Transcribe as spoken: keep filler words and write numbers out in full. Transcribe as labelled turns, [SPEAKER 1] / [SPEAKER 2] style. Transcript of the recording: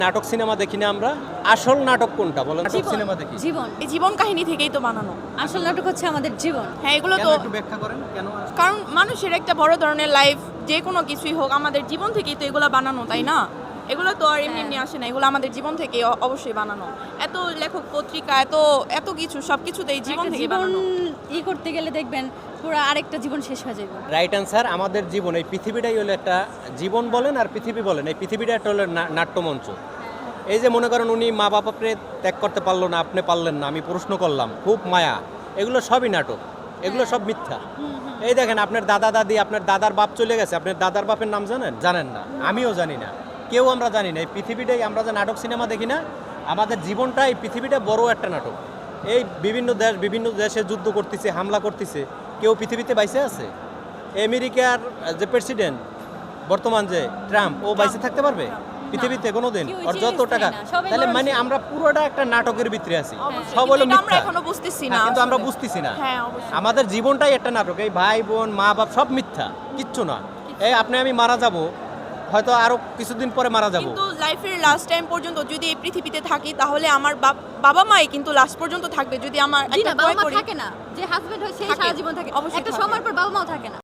[SPEAKER 1] নাটক সিনেমা দেখি না আমরা, আসল নাটক কোনটা বলেন? নাটক সিনেমা দেখি
[SPEAKER 2] জীবন
[SPEAKER 3] এই জীবন কাহিনী থেকেই তো বানানো।
[SPEAKER 2] আসল নাটক হচ্ছে আমাদের জীবন।
[SPEAKER 3] হ্যাঁ, এগুলো
[SPEAKER 1] কেন
[SPEAKER 3] তো
[SPEAKER 1] একটু ব্যাখ্যা করেন কেন?
[SPEAKER 3] কারণ মানুষের একটা বড় ধরনের লাইফ, যে কোনো কিছুই হোক আমাদের জীবন থেকেই তো এগুলো বানানো, তাই না? এগুলো তো আর এমনি এমনি আসে না, এগুলো আমাদের জীবন থেকে অবশ্যই বানানো। এত লেখক পত্রিকা, এত এত কিছু সব কিছুতেই জীবন
[SPEAKER 2] একটা
[SPEAKER 3] থেকে
[SPEAKER 2] জীবন
[SPEAKER 3] বানানো।
[SPEAKER 2] ই করতে গেলে দেখবেন পুরো আরেকটা জীবন শেষ হয়ে যাবে।
[SPEAKER 1] Right answer. আমাদের জীবন, এই পৃথিবীটাই হলো একটা জীবন বলেন আর পৃথিবী বলেন, এই পৃথিবীটা একটা হলো না- নাট্যমঞ্চ। এই যে মনে করেন উনি মা বাবাকে ত্যাগ করতে পারলো না, আপনি পারলেন না, আমি প্রশ্ন করলাম, খুব মায়া, এগুলো সবই নাটক, এগুলো সব মিথ্যা। এই দেখেন আপনার দাদা দাদি, আপনার দাদার বাপ চলে গেছে, আপনার দাদার বাপের নাম জানেন? জানেন না, আমিও জানি না, কেউ আমরা জানি না। এই পৃথিবীটাই, আমরা যে নাটক সিনেমা দেখি না, আমাদের জীবনটা, এই পৃথিবীটা বড় একটা নাটক। এই বিভিন্ন দেশ বিভিন্ন দেশে যুদ্ধ করতেছে, হামলা করতেছে, কেউ পৃথিবীতে বাইসে আছে? আমেরিকার যে প্রেসিডেন্ট বর্তমান যে ট্রাম্প, ও বাইসে থাকতে পারবে পৃথিবীতে কোনোদিন?
[SPEAKER 2] কেউ
[SPEAKER 1] ওর যত
[SPEAKER 2] চিরস্থায়ী
[SPEAKER 1] টাকা,
[SPEAKER 2] না, সবাই
[SPEAKER 1] তাহলে
[SPEAKER 2] মানুষ।
[SPEAKER 1] মানে আমরা পুরোটা একটা নাটকের ভিতরে আছি,
[SPEAKER 3] অবশ্যই,
[SPEAKER 1] সব
[SPEAKER 3] কিন্তু
[SPEAKER 1] হলো
[SPEAKER 3] এটা আমরা
[SPEAKER 1] মিথ্যা।
[SPEAKER 3] এখনো বুঝতেছি
[SPEAKER 1] হ্যাঁ,
[SPEAKER 3] না
[SPEAKER 1] কিন্তু আমরা
[SPEAKER 3] আসলে।
[SPEAKER 1] বুঝতেছি না।
[SPEAKER 3] হ্যাঁ, অবশ্যই।
[SPEAKER 1] আমাদের জীবনটাই একটা নাটক, এই ভাই বোন মা বাপ সব মিথ্যা, কিচ্ছু না। এই আপনি আমি মারা যাব, হয়তো আরো কিছুদিন পরে মারা যাব।
[SPEAKER 3] কিন্তু লাইফের লাস্ট টাইম পর্যন্ত যদি এই পৃথিবীতে থাকি, তাহলে আমার বাপ- বাবা মাই কিন্তু লাস্ট পর্যন্ত থাকবে। যদি আমার
[SPEAKER 2] জি
[SPEAKER 3] একটা
[SPEAKER 2] না, বাবা
[SPEAKER 3] ভয়
[SPEAKER 2] মা
[SPEAKER 3] করি,
[SPEAKER 2] থাকে না, যে হাজবেন্ড হয় সে
[SPEAKER 3] থাকে।
[SPEAKER 2] সারা জীবন থাকে,
[SPEAKER 3] অবশ্যই
[SPEAKER 2] একটা
[SPEAKER 3] থাকে।
[SPEAKER 2] সময় পর বাবা মাও থাকে না।